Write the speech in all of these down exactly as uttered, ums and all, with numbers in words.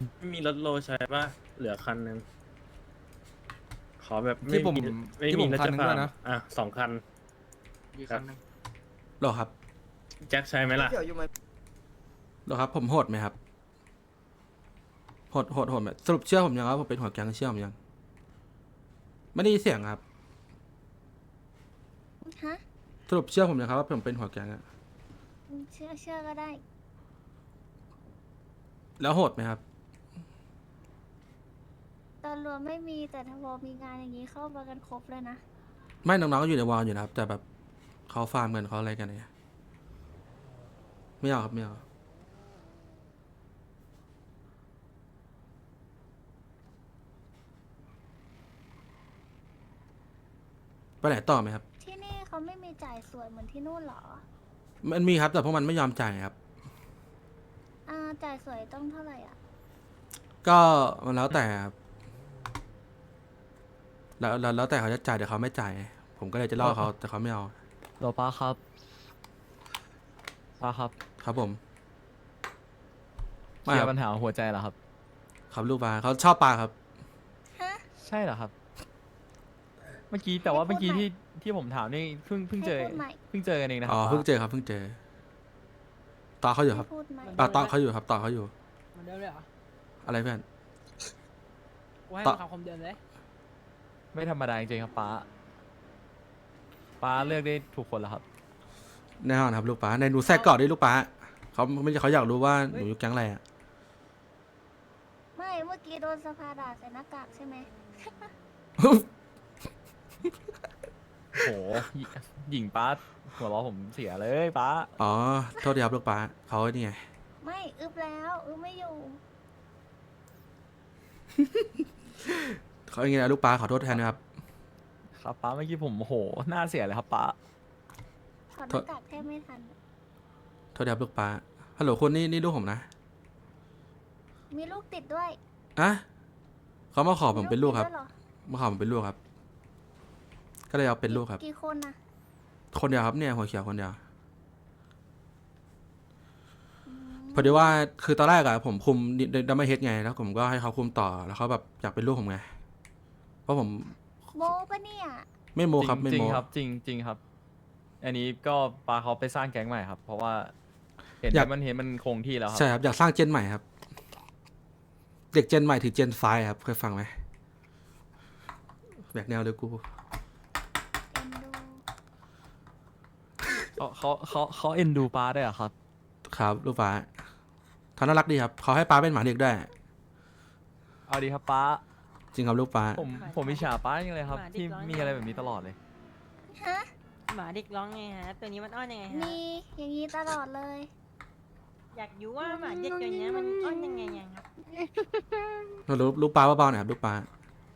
ไม่มีรถโลใช้ป่ะเหลือคันหนึ่งขอแบบไม่ที่ผมมีไม่ที่ผมีมรถคันจะหนึงฟาด้ร์วยมนะอ่ะสองคันอีกคันหนึงหรอครับแจ็คใช้ไหมล่ะเกี่ยวอยู่ไหมหรอครับผมโหดไหมครับโหดโหดโหดไหมสรุปเชื่อผมยังว่าผมเป็นหัวแก๊งเชื่อผมยังไม่ได้ยินเสียงครับฮะสรุปเชื่อผมยังครับว่าผมเป็นหัวแก๊งอะเชื่อเชื่อก็ได้แล้วโหดไหมครับตอนรวมไม่มีแต่ถ้าพอมีงานอย่างนี้เข้ามากันครบเลยนะไม่น้องๆก็อยู่ในวอลอยู่นะครับ แต่แบบเขาฟาร์มกันเขาอะไรกันเนี่ยไม่เอาครับไม่เอาไปไหนต่อไหมครับที่นี่เขาไม่มีจ่ายสวยเหมือนที่นู่นเหรอมันมีครับแต่พวกมันไม่ยอมจ่ายครับอ่าจ่ายสวยต้องเท่าไหร่อ่ะก็มันแล้วแต่ครับแล้วแล้วแล้วแต่เขาจะจ่ายแต่เขาไม่จ่าย ผมก็เลยจะล่อเขาแต่เขาไม่เอาโลป้าครับป้าครับครับผมเคไม่ลียครับร์ปัญหาหัวใจเหรอครับครับลูกปลาเขาชอบปลาครับฮะใช่เหรอครับ เมื่อกี้แต่ว่าให้พูเมื่ดอกี้ใหม่ที่ที่ผมถามนี่เพิ่งเพิ่งเจอให้พูดใหม่เพิ่งเจอกันเองนะครัอ๋อป้าเพิ่งเจอครับเพิ่งเจอต่อเขาอยู่ครับพูดไหมอ่าต่อเขาอยู่ครับต่อเขาอยู่เหมือนเดิมเลยเหรออะไรเพื่อนกูให้ต่อมึงทำคำเดิมเลยไม่ธรรมดาจริงๆครับป้าป้าเลือกได้ถูกคนแล้วครับแน่นอนครับลูกปลาในหนูแทรกเกาะด้วยลูกปลาเขาไม่ใช่เขาอยากรู้ว่าหนูอยู่แก๊งอะไรอ่ะไม่เมื่อกี้โดนสภาด่าใส่หน้ากากใช่ไหมโหหญิหญิงป้าหัวเราะผมเสียเลยป้าอ๋อโทษทีครับลูกปลาเขานี่ไงไม่อึบแล้วอึบไม่อยู่เขาอย่างเงี้ยลูกปลาขอโทษแทนนะครับครับป้าเมื่อกี้ผมโหหน้าเสียเลยครับป้าถอดหน้ากากแทบไม่ทันโทษทีครับลูกปลาฮัลโหลคุณนี่นี่ลูกผมนะมีลูกติดด้วยอะเขามาขอผมเป็นลูกครับติดด้วยหอมาขอผมเป็นลูกครับ ก็เลยเอาเป็นลูกครับกี่คนนะคนเดียวครับเนี่ยหัวเขียวคนเดียวอืมพอดีว่าคือตอนแรกอะผมคุมดัมเบิลเฮดไงแล้วผมก็ให้เขาคุมต่อแล้วเขาแบบอยากเป็นลูกผมไงเพราะผมโมปะเนี่ยไม่โมครับไม่จริโมงๆครับจริงจริงครับ อันนี้ก็ปาเขาไปสร้างแก๊งใหม่ครับ เพราะว่าเห็นมันเห็นมันคงที่แล้วครับใช่ครับอยากสร้างเจนใหม่ครับ เด็กเจนใหม่ถึงเจนไฟครับเคยฟังไหมแบกแนวเลยกูเอ็นดูเขาเขาเขาเขาเอ็นดูปาได้วยเหรอครับครับลูกป้าเขาน่ารักดีครับเขาให้ป้าเป็นหมาเด็กได้วยเอาดีครับป้าจริงครับลูกป้าผมผมอิจฉาป้าจังเลยครับ ที่มีอะไรแบบนี้ตลอดเลยฮะหมาเด็กร้องไงฮะ ตัวนี้มันอ้อนยังไงฮะมีอย่างนี้ตลอดเลยอยากรู้ว่าหมาเด็กตัวเนี้ยมันอ้อนยังไงยังครับลูกลูกป้าเบาๆหน่อยครับลูกป้า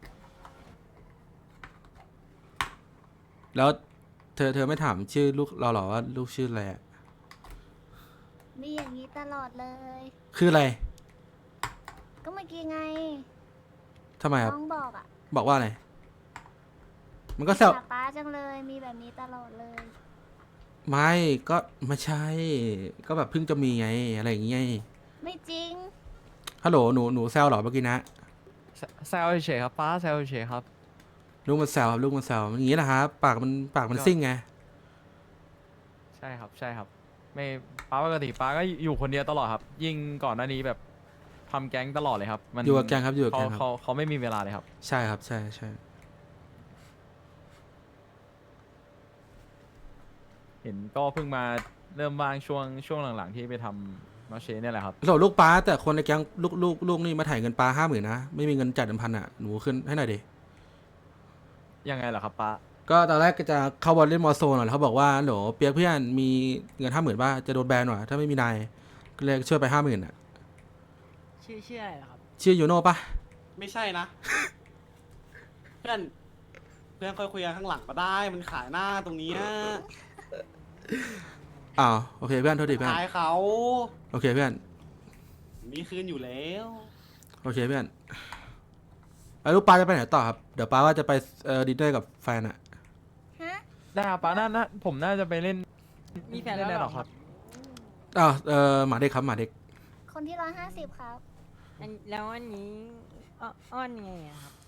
แล้วเธอเธอไม่ถามชื่อลูกเราหรอว่าลูกชื่ออะไรอะมีอย่างนี้ตลอดเลยคืออะไรก็เมื่อกี้ไงทำไมครับน้องบอกอ่ะบอกว่าอะไรมันก็แซวด่าป้าจังเลย มีแบบนี้ตลอดเลยไม่ก็ไม่ใช่ ก็แบบเพิ่งจะมีไงอะไรอย่างเงี้ยไม่จริงฮัลโหลหนูหนูแซวเหรอเมื่อกี้นะแซแซวเฉยๆครับป้าแซวเฉยๆครับลูกมันแซวครับลูกมันแซวมันอย่างงี้นะครับปากมันปากมันซิ่งไงใช่ครับใช่ครับ ไม่ป้าปกติป้าก็อยู่คนเดียวตลอดครับ ยิ่งก่อนหน้านี้แบบทำแก๊งตลอดเลยครับ มันอยู่กับแกงครับอยู่กับเขาแกงครับเขาเขาไม่มีเวลาเลยครับใช่ครับใช่ใช่เห็นก็เพิ่งมาเริ่มว่างช่วงช่วงหลังๆที่ไปทำมาเชเนี่ยแหละครับฮัลโหลลูกป้าแต่คนในแก๊งลูกลูกลูกนี่มาถ่ายเงินป้าห้าหมื่นนะไม่มีเงินจ่ายเดิมพันอ่ะหนูขึ้นให้หน่อยดิยังไงล่ะครับป้าก็ตอนแรกก็จะเข้าบอลเล่นมอโซนหน่อยแล้วเขาบอกว่าโหลเปียกเพื่อนมีเงินห้าหมื่นป่ะจะโดนแบนหน่อยถ้าไม่มีนายก็เลยช่วยไปห้าหมื่นอ่ะชื่อชื่ออะไรเหรอครับชื่อยูโน่ป่ะไม่ใช่นะ เพื่อน เพื่อนค่อยคุยกันข้างหลังก็ได้มันขายหน้าตรงเนี้ยอ้าวโอเคเพื่อนโทษทีเพื่อนขายเขาโอเคเพื่อนมีคืนอยู่แล้วโอเคเพื่อนแล้วลูกป้าจะไปไหนต่อครับเดี๋ยวป้าว่าจะไปเอ่อดินเนอร์กับแฟนอ่ะฮะได้ครับป้าน่าน่าผมน่าจะไปเล่นมีแฟนแล้วเล่นเหหรรออคครัรับ บอ้าวเออหมาเด็กครับหมาเด็กคนที่ร้อยห้าสิบครับอันแล้วอันนี้อ้ออ้อนไงอะครับ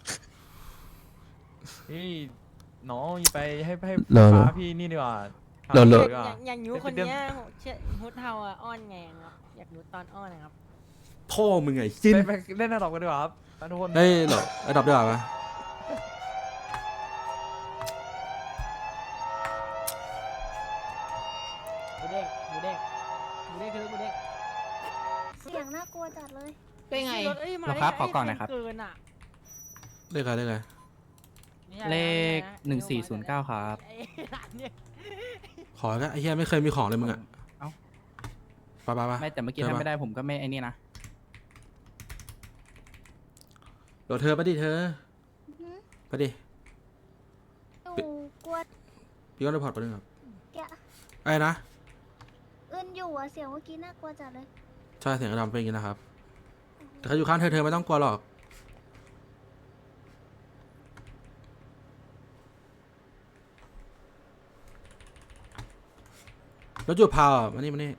นี่น้องไปให้ให้เหรอเหรอป้าพี่นี่ดีกว่าเหรอเหรอดีกว่าอยากอยากรู้คนเนี้ยเชื่อฮุดเทาอะอ้อนไงอะครับ อยากรู้ตอนอ้อนนะครับพ่อมึงไงจิ้นไปไปเล่นระดับกันดีกว่าครับทุกคนเฮ้ยเหรอไอ้ดับด้วยเหรอวะหมูเด้งหมูเด้งหมูเด้งคือหมูเด้งเสียงน่ากลัวจัดเลยเป็นไงรถเอ้ยมาหรอครับขอก่อนหน่อยครับเกินอะเลขอะไรเลขอะไรไม่ใช่เลขนะหนึ่งสี่ศูนย์เก้าครับไอ้ร้านเนี่ยขอแล้วไอ้เหี้ยไม่เคยมีของเลยมึงอะเอ้าไปไปไปไม่แต่เมื่อกี้เจอถ้าปะไม่ได้ผมก็ไม่ไอ้นี่นะเดี๋ยวเธอไปดิเธออือหือไปดิหนูกลัวพี่ก็รีพอร์ตไปหนึ่งครับแกะไอ้นะอึนอยู่อะเสียงเมื่อกี้น่ากลัวจัดเลยใช่เสียงกระดำเป็นอย่างนี้นะครับ แต่เขาอยู่ข้างเธอเธอไม่ต้องกลัวหรอก รถอยู่พาวอ่ะมานี่มานี่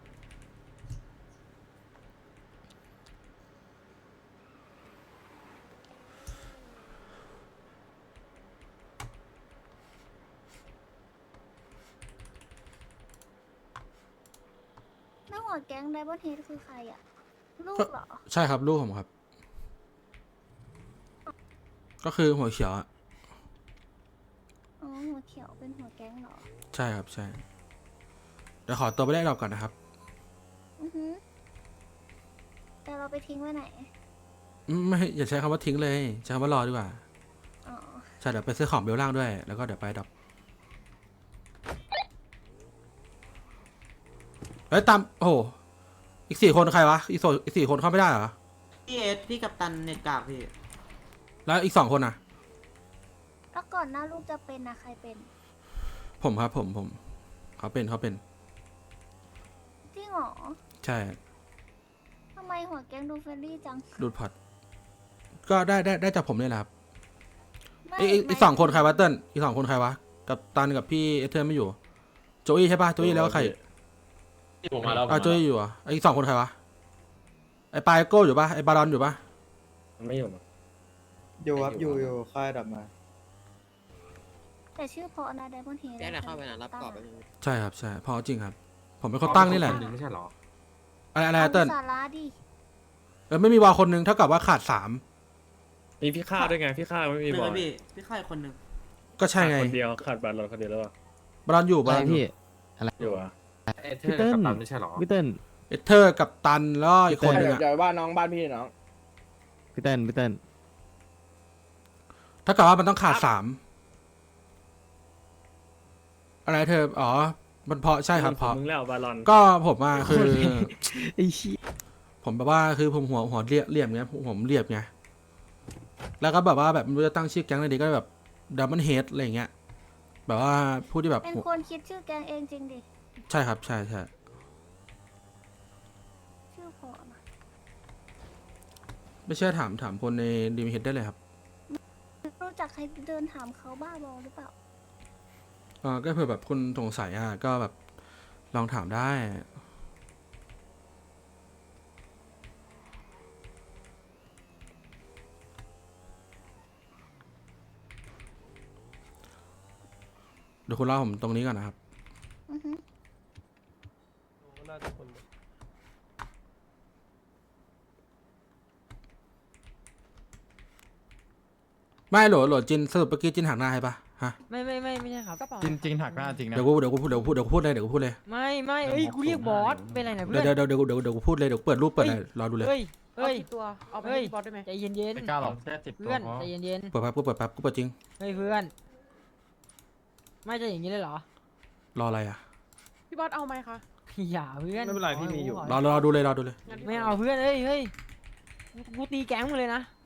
หน้าหัวแก๊งไดบอนเฮดคือใครอะลูกเหรอใช่ครับลูกผมครับ ก็คือหัวเขียวอ่ะอ๋อหัวเขียวเป็นหัวแก๊งเหรอใช่ครับใช่ เดี๋ยวขอตัวไปได้รอบก่อนนะครับอือหือแต่เราไปทิ้งไว้ไหนอืมไม่อย่าใช้คำว่าทิ้งเลย ใช้คำว่ารอดีกว่าอ๋อใช่เดี๋ยวไปซื้อของเบลล่างด้วย แล้วก็เดี๋ยวไปดับเฮ้ยตามโอ้โหอีกสี่คนใครวะ อีกโซอีกสี่คนเข้าไม่ได้เหรอพี่เอสพี่กัปตันเน็ตกากพี่แล้วอีกสองคนอ่ะแล้วก่อนหน้าลูกจะเป็นนะใครเป็นผมครับผมผม เขาเป็นเขาเป็นจริงเหรอใช่ทำไมหัวแก๊งดูเฟรนลี่จังดูดพอร์ตก็ได้ได้ได้จากผมเนี่ยแหละครับไม่อีกอีกอีกสองคนใครวะเติ้ลอีกสองคนใครวะ กับตันกับพี่เอเธอร์ไม่อยู่ โจอี้ใช่ปะโจอี้แล้วก็ใครที่ผมมาแล้วผมอ่ะมาโจอี้อยู่อ่ะไอ้อีกสองคนใครวะ ไอ้ปายโก้อยู่ปะไอ้บารอนอยู่ปะไม่อยู่มั้งอยู่ครับอยู่อยู่ค่ายดับมาแต่ชื่อเพราะนะไดมอนเฮดแจ้งหน่อยเข้าไปนะรับกรอบไปเลยใช่ครับใช่เพอจริงครับ ผมเป็นคนตั้งนี่แหละไม่ใช่หรออะไรอะไรเติ้ลสาระดิเออไม่มีวาคนหนึงเท่ากับว่าขาดสามมีพี่ข้าด้วยไงพี่ข้าไม่มีหนึ่บงอเลลยพี่พี่ค่ายคนหนึ่งก็ใช่ไงคนเดียวขาดบัตรเราคนเดียวแล้วป่ะบารอนอยู่บารอนอยู่อยู่อ่ะพี่เติ้ลพี่เติ้ลเอเธอร์กับตันแล้วก็อีกคนหนึงอ่ะอย่าว่าน้องบ้านพี่น้องพี่เติ้ลพี่เติ้ลเท่ากับว่ามันต้องขาดสามอะไรเธออ๋อมันเพราะใช่ครับเพราะมึงแล้วบาลอนก็ผมว่าคือไอ้ชี้ผมแบบว่าคือผมหัวหัวเรียบเรียบไงผมเรียบไงแล้วก็แบบว่าแบบไม่รู้จะตั้งชื่อแก๊งอะไรดีก็แบบดับเบิลเฮดอะไรอย่างเงี้ยแบบว่าผู้ที่แบบเป็นหัวคนคิดชื่อแก๊งเองจริงดิใช่ครับใช่ใช่ชื่อเพราะนะไม่เชื่อถามถามคนในดีมเฮดได้เลยครับรู้จักใครเดินถามเขาบ้าบอหรือเปล่าเออก็เผื่อแบบคุณสงสัยอ่ะก็แบบลองถามได้เดี๋ยวคุณเล่าผมตรงนี้ก่อนนะครับอือหือไม่โหลโหลจินสรุปเมื่อกี้จินหักหน้าให้ปะฮะไม่ไม่ไม่ไม่ใช่ครับจริงจริงหักหน้าจริงนะเดี๋ยวกูเดี๋ยวกูพูดเดี๋ยวกูพูดเดี๋ยวกูพูดเลยเดี๋ยวกูพูดเลยไม่ไม่เอ้ยกูเรียกบอสเป็นไรนะเพื่เดี๋อยวน เดี๋ยวเดี๋ยวเดี๋ยวเดี๋ยวกูเปิดเลยเดี๋ยวกูเปิดรูปเปิดอะไรรอดูเลยเฮ้ยเฮ้ยตัวเอาไปเฮ้ยบอสได้ไหมใจเย็นเย็นไม่กล้าหรอกเพื่อนใจเย็นเย็นเปิดแป๊บกูเปิดแป๊บกูเปิดจริงเฮ้ยเพื่อน ไม่จะอย่างนี้เลยเหรอรออะไรอ่ะพี่บอสเอาไหมคะอย่าเพื่อนไม่เป็นไรพี่มีอยู่รอรอดูเลยรอดูเลยไม่เอาเพื่อนเฮ้ยเฮ้ยกูตีแก๊งมึงเลยนะ